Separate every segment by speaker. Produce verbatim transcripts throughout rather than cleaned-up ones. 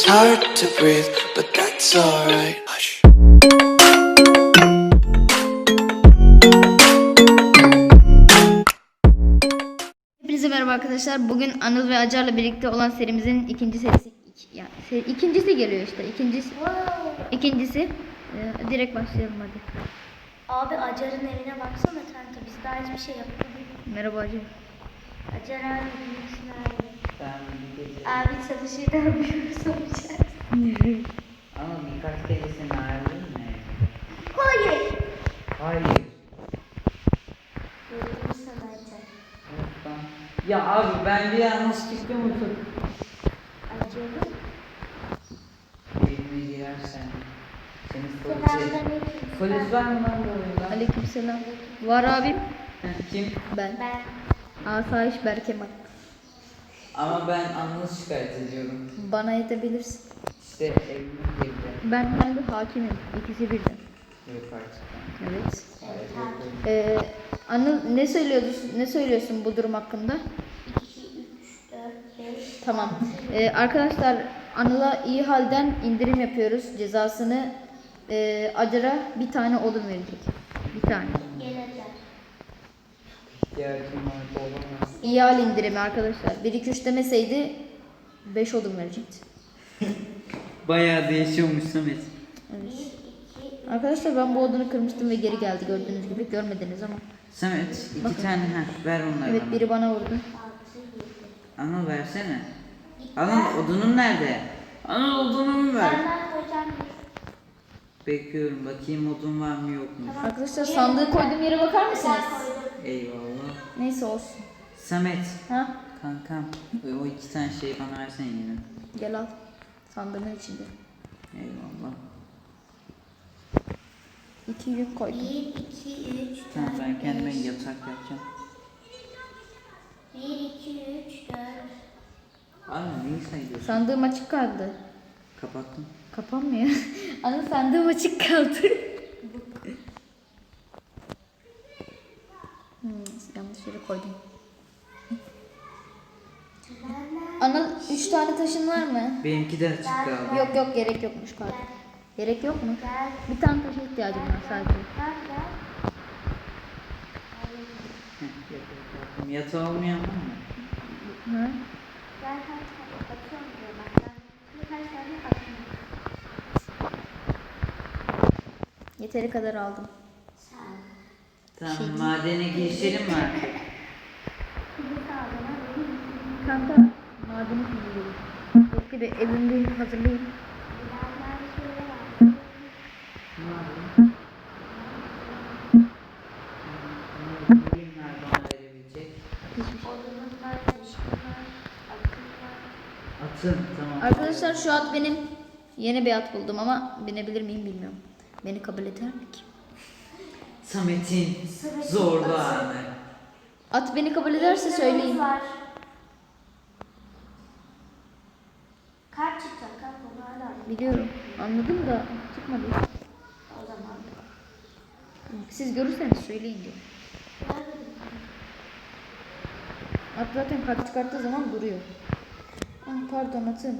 Speaker 1: hard to breathe, but that's alright. Hush.
Speaker 2: Hepinize merhaba arkadaşlar. Bugün Anıl ve Acar'la birlikte olan serimizin ikinci serisi iki, yani seri, ikincisi geliyor işte. İkincisi. İkincisi. Ee, direkt başlayalım hadi.
Speaker 3: Abi Acar'ın evine baksana kanka, biz daha hiçbir şey yapmadık.
Speaker 2: Merhaba Acar.
Speaker 3: Acar abi bilirsin abi.
Speaker 4: Ben bir gece
Speaker 3: Abi çalışıyor da yapıyoruz olacak.
Speaker 4: ama birkaç kere seni ayrıldın mı?
Speaker 3: Hayır.
Speaker 4: Hayır.
Speaker 3: Gördüm sana Acar.
Speaker 4: Yok ben- Ya abi ben bir yanlışlıkla unutup
Speaker 3: Acar'ın.
Speaker 4: evime girersen seni polise...
Speaker 3: Selamünaleyküm.
Speaker 4: Polis var mı lan bu oyunda?
Speaker 2: Aleykümselam. Var abim.
Speaker 4: Heh, Kim?
Speaker 2: Ben.
Speaker 3: Ben.
Speaker 2: Asayiş Berkemal.
Speaker 4: Ama ben Anıl'ı şikayet ediyorum.
Speaker 2: Bana yetebilirsin.
Speaker 4: İşte evime girdi.
Speaker 2: Ben hem de hakimim. İkisi birden.
Speaker 4: Yok artık.
Speaker 2: Evet.
Speaker 3: Evet abi.
Speaker 2: Ee, Anıl ne söylüyorsun? Ne söylüyorsun bu durum hakkında?
Speaker 3: iki, üç, dört, beş.
Speaker 2: Tamam. Ee, arkadaşlar Anıl'a iyi halden indirim yapıyoruz. Cezasını e, Acar'a bir tane odun verecek. Bir tane.
Speaker 3: Gel Acar.
Speaker 4: İhtiyacım var olamaz.
Speaker 2: İyi hal indirimi arkadaşlar. bir iki üç demeseydi beş odun verecekti.
Speaker 4: Bayağı değişiyormuş Samet.
Speaker 2: Evet.
Speaker 3: bir, iki, üç.
Speaker 2: Arkadaşlar ben bu odunu kırmıştım ve geri geldi gördüğünüz gibi. Görmediniz ama.
Speaker 4: Samet iki
Speaker 2: Bakın.
Speaker 4: tane heh, ver onları
Speaker 2: Evet
Speaker 4: bana.
Speaker 2: biri bana vurdu.
Speaker 3: altı, yedi.
Speaker 4: Anıl versene. Anıl odunun nerede? Anıl odunumu ver.
Speaker 3: Senden koyacağım bir.
Speaker 4: Bekliyorum bakayım odun var mı yok mu?
Speaker 2: Arkadaşlar sandığı koyduğum yere bakar mısınız?
Speaker 4: Eyvallah.
Speaker 2: Neyse olsun.
Speaker 4: Samet.
Speaker 2: Ha?
Speaker 4: Kankam o iki tane şeyi bana versene yine.
Speaker 2: Gel al. Sandığın içinde.
Speaker 4: Eyvallah.
Speaker 2: İki yün koydum.
Speaker 3: bir, iki, üç,
Speaker 4: Tamam ben
Speaker 3: dört,
Speaker 4: kendime
Speaker 3: beş.
Speaker 4: yatak yapacağım.
Speaker 3: bir, iki, üç, dört.
Speaker 4: Anne neyi sayıyorsun?
Speaker 2: Sandığım açık kaldı.
Speaker 4: Kapattım.
Speaker 2: Kapanmıyor. Ana sandığım açık kaldı. hmm, yanlış yere koydum. Ana üç tane taşın var mı?
Speaker 4: Benimki de açık kaldı.
Speaker 2: Yok yok gerek yokmuş pardon. Gerek yok mu?
Speaker 3: Gel.
Speaker 2: Bir tane taşa ihtiyacım var sadece.
Speaker 3: Gel gel.
Speaker 4: Heh, yatak yaptım. Yatağı olmayan var mı?
Speaker 2: Hı?
Speaker 3: Gel kaç tane atıyorum diyor bak. Ben birkaç tane atıyorum.
Speaker 2: Yeteri kadar aldım.
Speaker 3: Sen.
Speaker 4: Tamam madene girişelim mi artık?
Speaker 3: Kızı sağlığına benim.
Speaker 2: Kanka madeni kullanıyorum. Bekle bir evimi bir hazırlayayım.
Speaker 3: Birazdan şöyle var.
Speaker 4: Madem. Ürünler bana verebilecek.
Speaker 3: Odunun var, taşın var, atın var.
Speaker 4: Atın tamam.
Speaker 2: Arkadaşlar şu at benim. Yeni bir at buldum ama binebilir miyim bilmiyorum. Beni kabul eder mi ki?
Speaker 4: Samet'in
Speaker 3: Samet'in
Speaker 4: zorlu
Speaker 3: atı.
Speaker 4: anı.
Speaker 2: At beni kabul ederse söyleyin.
Speaker 3: Var. Kaç çıkacak kanka bunu hala.
Speaker 2: Biliyorum. Anladım da çıkmadı.
Speaker 3: O zaman.
Speaker 2: Siz görürseniz söyleyin diye. At zaten kart çıkarttığı zaman duruyor. Ah pardon atım.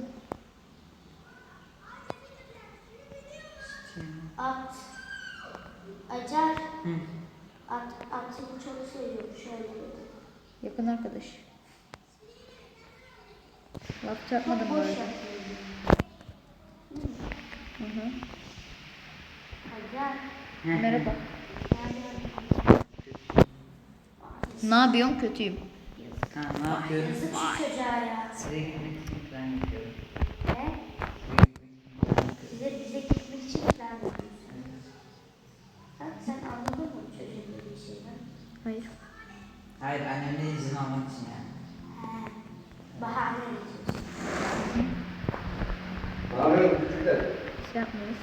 Speaker 3: At. Acar.
Speaker 4: Hı.
Speaker 3: At, atı bu çok seviyorum. Şöyle dedi.
Speaker 2: Yakın arkadaş. Laf çarpmadım bu
Speaker 3: Boş
Speaker 2: arada.
Speaker 3: yapıyorum.
Speaker 2: Hı hı.
Speaker 3: Acar.
Speaker 2: Merhaba.
Speaker 3: Yani
Speaker 2: Ne yapıyorsun? Kötüyüm.
Speaker 4: Ha ne yapıyorum?
Speaker 3: yazık şu çocuğa ya.
Speaker 4: Size gitmek için plan yapıyorum.
Speaker 3: Ne? Bize, bize gitmek için plan yapıyorsun. Bak sen anladın mı çocuğun dediği şeyden?
Speaker 2: Hayır.
Speaker 4: Hayır annemden izin almak için yani.
Speaker 3: He. Bahane üretiyorsun.
Speaker 2: Şey yapmıyoruz.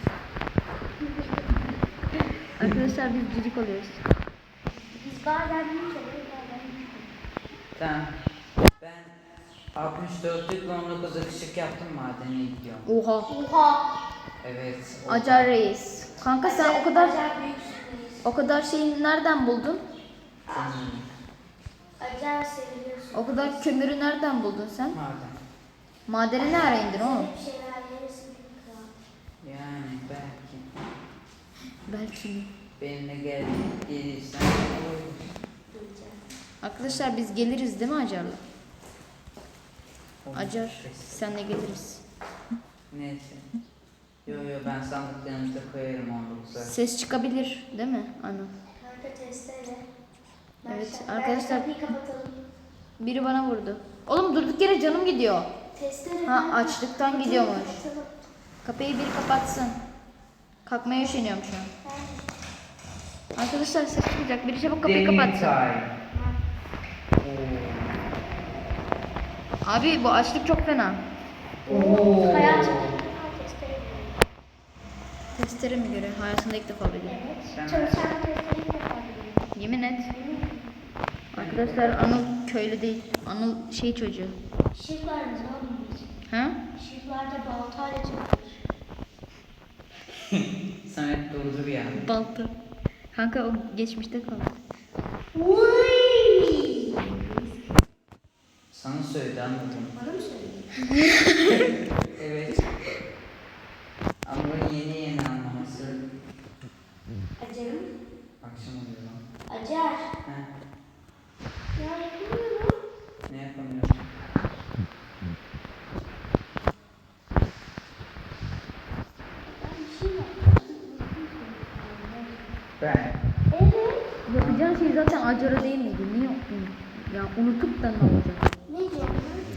Speaker 2: Arkadaşlar biz cücük oluyoruz.
Speaker 3: Biz bazen bir kere bazen bir kere.
Speaker 4: Tamam. Ben altmış dörtlük on dokuz ışık yaptım madene gidiyorum.
Speaker 2: Oha.
Speaker 3: Oha!
Speaker 4: Evet. o-
Speaker 2: Acar reis. Kanka sen o kadar
Speaker 3: Acar büyüksünüz.
Speaker 2: o kadar şeyi nereden buldun?
Speaker 4: Senin
Speaker 3: Acar seviyorsun.
Speaker 2: O kadar kömürü nereden buldun sen?
Speaker 4: madem.
Speaker 2: Madene ne ara indin oğlum?
Speaker 3: Bir şeyler yeriz.
Speaker 2: Belki mi?
Speaker 4: Benimle gel, gelirsen olur.
Speaker 2: Arkadaşlar biz geliriz değil mi Acar'la?
Speaker 4: Olur.
Speaker 2: Acar senle geliriz.
Speaker 4: Neyse. Yo yo ben sandıklarımıza koyarım onu.
Speaker 2: Ses çıkabilir değil mi Anıl?
Speaker 3: Kanka testere.
Speaker 2: Evet,
Speaker 3: Ben-
Speaker 2: arkadaşlar-
Speaker 3: Ben kapıyı kapatalım.
Speaker 2: Biri bana vurdu. Oğlum durduk yere canım gidiyor.
Speaker 3: Testere.
Speaker 2: Ha,
Speaker 3: ben-
Speaker 2: açlıktan
Speaker 3: Kapıyı
Speaker 2: gidiyormuş.
Speaker 3: kapatalım.
Speaker 2: Kapıyı biri kapatsın. Kalkmaya üşeniyorum şu an. Arkadaşlar ses çıkacak. Biri çabuk kapıyı
Speaker 4: Demir
Speaker 2: kapatsın.
Speaker 4: time.
Speaker 2: Abi bu açlık çok fena.
Speaker 4: Oo.
Speaker 3: Hayatımda ilk defa testere görüyorum.
Speaker 2: Testere mi göre? Hayatında ilk defa biliyorum.
Speaker 3: Evet.
Speaker 4: Sen-
Speaker 3: Çalışan testere ilk defa görüyorum.
Speaker 2: Yemin et. Arkadaşlar Anıl köylü değil. Anıl şey çocuğu.
Speaker 3: Şiflarımız oğlum biz.
Speaker 2: Ha?
Speaker 3: Şiflarda baltayla çıkmış.
Speaker 4: Samet durdur ya.
Speaker 2: Balta. Kanka o geçmişte kaldı.
Speaker 3: Uy!
Speaker 4: Sana söyledi anladım.
Speaker 3: Bana mı söyledin?
Speaker 4: Evet. Ama yeni yeni anlaması.
Speaker 3: Acarım.
Speaker 4: Akşam oluyor lan.
Speaker 3: Acar.
Speaker 4: He.
Speaker 3: Ya yapamıyorum.
Speaker 4: Ne yapamıyorum?
Speaker 3: Ben bir şey yaptım.
Speaker 4: Ben.
Speaker 3: Evet.
Speaker 2: Yapacağın şey zaten Acar'a değil miydi? Niye unuttun? Ya unutup da ne olacak?
Speaker 3: Ne diyorsun?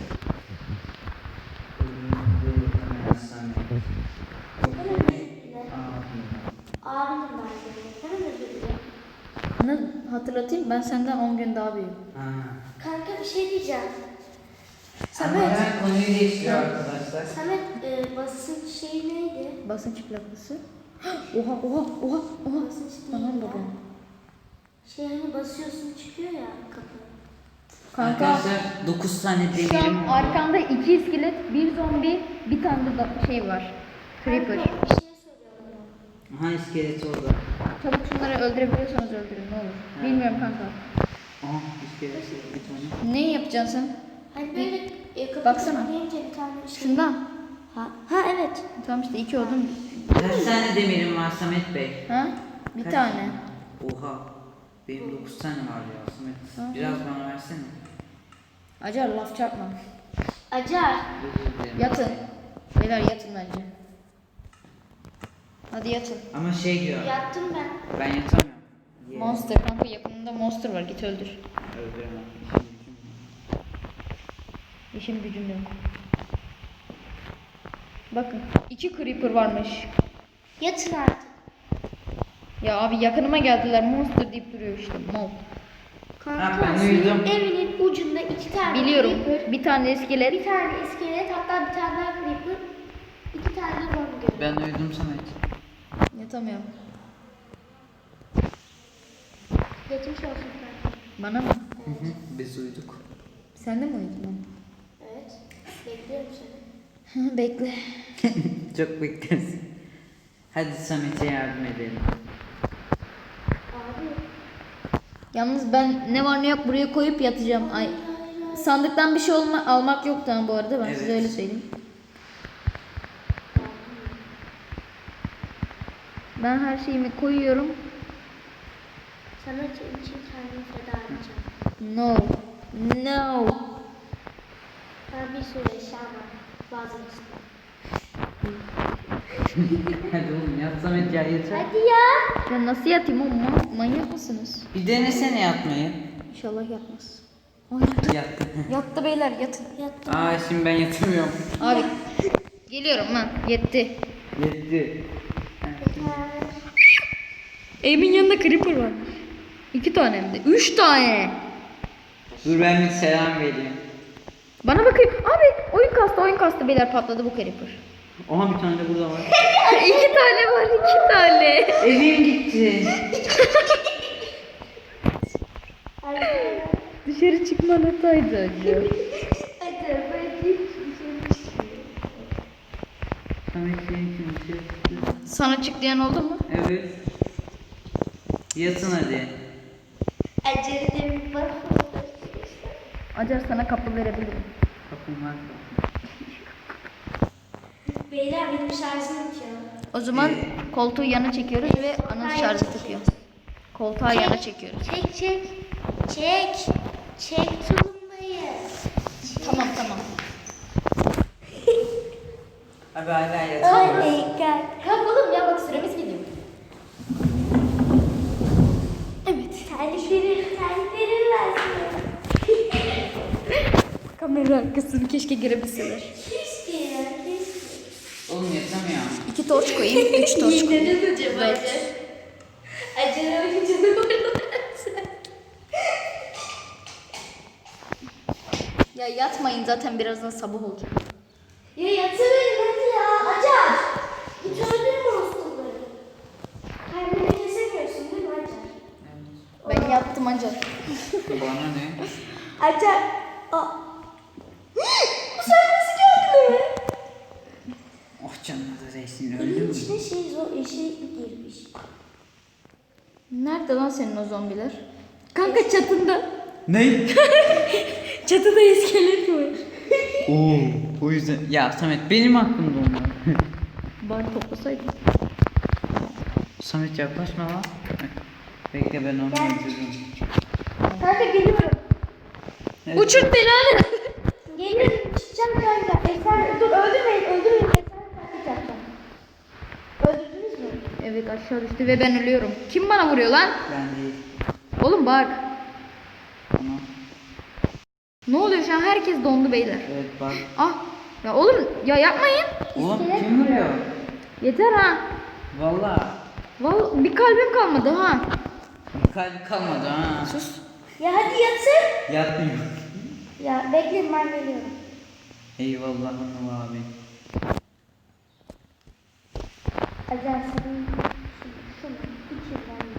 Speaker 3: Hemen özür dile. Abinim ben seni. Hemen özür dile.
Speaker 2: Anıl hatırlatayım ben senden on gün daha büyüğüm.
Speaker 3: Kanka bir şey diyeceğim.
Speaker 4: Ama
Speaker 3: Samet.
Speaker 4: ben konuyu değiştiriyor arkadaşlar.
Speaker 3: Samet e, basınç şeyi neydi?
Speaker 2: Basınç plakası. Oha oha oha oha.
Speaker 3: Basınç
Speaker 2: Tamam
Speaker 3: neydi?
Speaker 2: babam.
Speaker 3: Şey hani basıyorsun çıkıyor ya kapı.
Speaker 2: Kanka
Speaker 4: Arkadaşlar dokuz tane
Speaker 2: şu
Speaker 4: demirim
Speaker 2: an
Speaker 4: oldu.
Speaker 2: arkamda iki iskelet, bir zombi, bir tane de da- şey var. Creeper.
Speaker 3: Kanka bir şey soruyorum.
Speaker 4: Aha iskelet orada.
Speaker 2: Çabuk şunları öldürebiliyorsanız öldürün ne olur.
Speaker 4: Ha.
Speaker 2: Bilmiyorum kanka.
Speaker 4: Aha iskelet bir tane.
Speaker 2: Ne yapacaksın sen?
Speaker 3: Hani böyle e, kapı
Speaker 2: Baksana.
Speaker 3: deyince bir tane şey.
Speaker 2: Şundan.
Speaker 3: Ha, ha evet.
Speaker 2: Tamam işte iki oldum.
Speaker 4: Kaç tane demirim var Samet Bey?
Speaker 2: Ha? Bir
Speaker 4: Kaç
Speaker 2: tane.
Speaker 4: Oha. Benim dokuz tane var ya Samet.
Speaker 2: Aha.
Speaker 4: Biraz bana versene.
Speaker 2: Acar laf çarpma.
Speaker 3: Acar.
Speaker 4: Özür dilerim.
Speaker 2: Yatın. Beyler yatın bence. Hadi yatın.
Speaker 4: Ama şey diyor.
Speaker 3: Yattım ben.
Speaker 4: Ben yatamıyorum. Yeah.
Speaker 2: Monster kanka yakınında monster var git öldür.
Speaker 4: Öldüremem.
Speaker 2: İşim gücüm yok. Bakın iki creeper varmış.
Speaker 3: Yatın artık.
Speaker 2: Ya abi yakınıma geldiler monster deyip duruyor işte mal.
Speaker 3: Kanka
Speaker 4: Ha, ben
Speaker 3: senin
Speaker 4: uyudum.
Speaker 3: evinin ucunda iki tane
Speaker 2: Biliyorum
Speaker 3: creeper,
Speaker 2: bir tane iskelet.
Speaker 3: bir tane iskelet, hatta bir tane daha creeper, iki tane de zombi görüyorum.
Speaker 4: Ben uyudum Samet.
Speaker 2: Yatamıyorum.
Speaker 3: Geçmiş olsun kanka.
Speaker 2: Bana mı?
Speaker 4: Hı hı. Biz uyuduk.
Speaker 2: Sen de mi uyudun lan?
Speaker 3: Evet. Bekliyorum seni.
Speaker 2: Hı, bekle.
Speaker 4: Çok bekleriz. Hadi Samet'e yardım edelim.
Speaker 3: Abi.
Speaker 2: Yalnız ben ne var ne yok buraya koyup yatacağım. Ay sandıktan bir şey olma, almak yok tamam bu arada ben
Speaker 4: Evet.
Speaker 2: size öyle söyleyeyim. Ben her şeyimi koyuyorum.
Speaker 3: Sana senin için kendimi feda edeceğim.
Speaker 2: No. No.
Speaker 3: Ben bir sürü eşya var. Vazgeçtim.
Speaker 4: Hadi oğlum yat Samet ya yeter.
Speaker 3: Hadi ya.
Speaker 2: Ya nasıl yatayım oğlum? Ma- manyak mısınız?
Speaker 4: Bir denesene yatmayı.
Speaker 2: İnşallah yatmaz. Ay, yattı.
Speaker 4: Yattı.
Speaker 2: Yattı beyler yatın.
Speaker 3: Yattım.
Speaker 4: Aa şimdi ben yatamıyorum.
Speaker 2: Abi geliyorum lan yetti.
Speaker 4: Yetti.
Speaker 3: Yeter.
Speaker 2: Evimin yanında creeper var. İki tane hem de. Üç tane.
Speaker 4: Dur ben bir selam vereyim.
Speaker 2: Bana bakın. Abi oyun kastı oyun kastı beyler patladı bu creeper.
Speaker 4: Aha bir tane de burada var.
Speaker 2: iki tane var iki tane.
Speaker 4: Evim gitti.
Speaker 3: Hadi.
Speaker 2: Dışarı çıkman hataydı acı.
Speaker 3: Hadi. Hadi.
Speaker 4: Samet senin için bir şey yaptı.
Speaker 2: Sana çık diyen oldu mu?
Speaker 4: Evet. Yatın hadi.
Speaker 3: Acele demin var.
Speaker 2: Acar sana kapı verebilirim.
Speaker 4: Kapım var.
Speaker 3: Beyler benim şarjım bitiyor.
Speaker 2: O zaman koltuğu yana çekiyoruz ve Anıl şarjı takıyor. Koltuğa yana çekiyoruz.
Speaker 3: Çek çek. Çek. Çek tulumbayı.
Speaker 2: Tamam tamam.
Speaker 4: Abi hala yatıyor.
Speaker 3: Oh my god.
Speaker 2: Kalk oğlum ya, bak süremiz gidiyor.
Speaker 3: Evet. Terliklerin, terliklerin versin.
Speaker 2: Kamera arkasını keşke görebilseler.
Speaker 3: Keşke ya keşke.
Speaker 4: Oğlum yatamıyor.
Speaker 2: İki torç koyayım, üç torç koyayım.
Speaker 3: Neden acaba?
Speaker 2: Dört.
Speaker 3: Acaba canım
Speaker 2: Ya yatmayın, zaten birazdan sabah olacak.
Speaker 3: Ya yatıverin hadi ya. Acar. Hiç öldürme hastaları. Kalbini kesemiyorsun değil mi Acar?
Speaker 2: Ben yattım ancak.
Speaker 4: Bana ne?
Speaker 3: Acar. Aa. Bu sen nasıl geldin eve?
Speaker 4: Oh canına da değsin, öldü
Speaker 3: Evin
Speaker 4: mü?
Speaker 3: içine şey zor şey girmiş.
Speaker 2: Nerede lan senin o zombiler? Kanka çatında.
Speaker 4: Ne?
Speaker 2: Çatıda iskelet var.
Speaker 4: Oo, o yüzden. Ya Samet benim hakkımda onlar.
Speaker 2: Bari toplasaydın.
Speaker 4: Samet yaklaşma lan. Bekle ben onu öldürürüm.
Speaker 3: Kanka geliyorum.
Speaker 4: Evet.
Speaker 2: Uçur belanı.
Speaker 3: Geliyorum çıkacağım kanka. Eser dur öldürmeyin öldürmeyin. Eser taklit yapacağım. Öldürdünüz mü?
Speaker 2: Evet, aşağı düştü ve ben ölüyorum. Kim bana vuruyor lan?
Speaker 4: Ben değil.
Speaker 2: Oğlum bak.
Speaker 4: Tamam.
Speaker 2: Ne oluyor şu an? Herkes dondu beyler.
Speaker 4: Evet bak.
Speaker 2: Ah. Ya oğlum ya yapmayın.
Speaker 4: Oğlum kim vuruyor?
Speaker 2: Yeter ha.
Speaker 4: Valla.
Speaker 2: Vallahi bir kalbim kalmadı ha.
Speaker 4: Bir kalp kalmadı ha.
Speaker 2: Sus.
Speaker 3: Ya hadi yatın.
Speaker 4: Yatmıyor.
Speaker 3: Ya bekleyin ben geliyorum.
Speaker 4: Eyvallah Anıl abi.
Speaker 3: Acar senin şunu içinden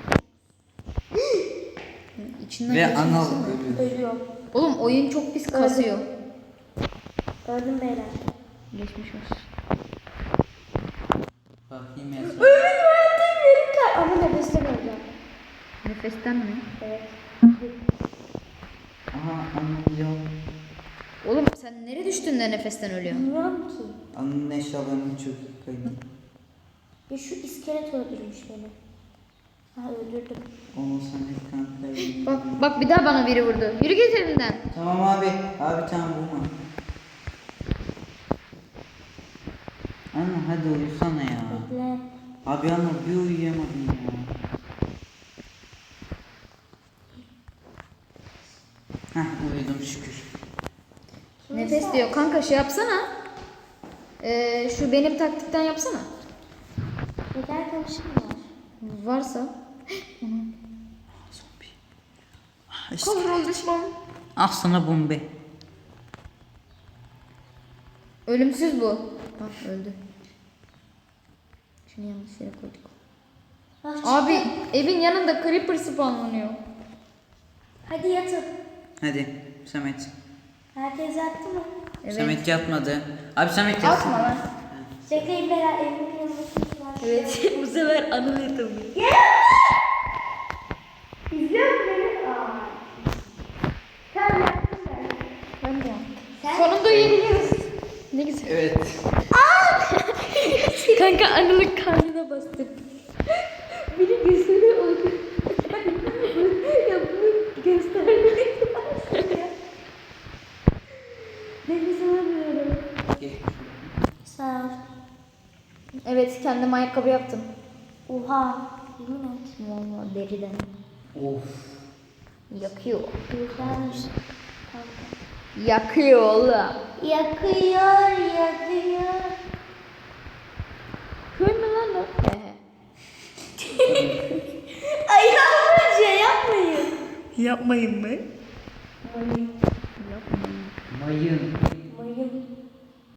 Speaker 2: İçinden
Speaker 4: Ve
Speaker 2: geçiyor.
Speaker 4: Anıl ölüyor.
Speaker 3: ölüyorum.
Speaker 2: Oğlum oyun çok pis kasıyor.
Speaker 3: Öldüm beyler.
Speaker 2: Geçmiş olsun.
Speaker 4: Bakayım ya.
Speaker 3: Ölüm öldüm yerim kar. Ama nefesten öleceğim.
Speaker 2: Nefesten mi?
Speaker 3: Evet.
Speaker 4: Aha Anıl yok.
Speaker 2: Oğlum sen nereye düştün de nefesten ölüyorsun?
Speaker 3: Bilmiyorum ki.
Speaker 4: Anıl'ın eşyalarını çok kaydı.
Speaker 3: Ya şu iskelet öldürmüş beni. Ha öldürdüm.
Speaker 4: Onu Samet kanka.
Speaker 2: Bak bak bir daha bana biri vurdu. Yürü git evinden.
Speaker 4: Tamam abi. Abi tamam vurma. Anıl hadi uyusana ya.
Speaker 3: Bekle.
Speaker 4: Abi Anıl bir uyuyamadın ya. Heh uyudum şükür.
Speaker 2: Nefes diyor. Kanka şey yapsana. Ee, şu benim taktikten yapsana.
Speaker 3: Neden kamışım var?
Speaker 2: Varsa.
Speaker 4: Zombi. Ah, işte.
Speaker 2: Kavrol düşman.
Speaker 4: Al sana bombe.
Speaker 2: Ölümsüz bu. Bak öldü. Şunu yanlış yere koyduk.
Speaker 3: Ah,
Speaker 2: Abi evin yanında creeper spawnlanıyor.
Speaker 3: hadi yatın.
Speaker 4: Hadi Samet.
Speaker 3: Herkes yattı mı?
Speaker 2: Evet.
Speaker 4: Samet yatmadı. Abi Samet yatsın.
Speaker 2: Atma lan.
Speaker 3: Bekleyin beyler evimin yanında kimse var.
Speaker 2: Evet. Bu sefer Anıl yatamıyor.
Speaker 3: İzliyor musun beni? Aa. Tamam yattım ben.
Speaker 2: Ben de yaptım.
Speaker 3: Sen?
Speaker 2: Sonunda uyuyabiliyoruz. Ne güzel.
Speaker 4: Evet.
Speaker 2: Kanka Anıl'ın karnına bastım.
Speaker 3: Biri gözünü uydu. Ya bunu göstermeyi ya. Nefes alamıyorum.
Speaker 4: Gel.
Speaker 3: Sağ ol.
Speaker 2: Evet, kendim ayakkabı yaptım.
Speaker 3: Oha. Yemin et.
Speaker 2: Vallahi deriden.
Speaker 4: Of.
Speaker 2: Yakıyor.
Speaker 3: Güzelmiş.
Speaker 2: Yakıyor oğlum.
Speaker 3: Yakıyor, yakıyor.
Speaker 2: Köy mü lan o? He he.
Speaker 3: Ay yapmayın, yapmayın.
Speaker 2: Yapmayın mı?
Speaker 3: Mayın.
Speaker 2: Yapmayın.
Speaker 4: Mayın.
Speaker 3: Mayın.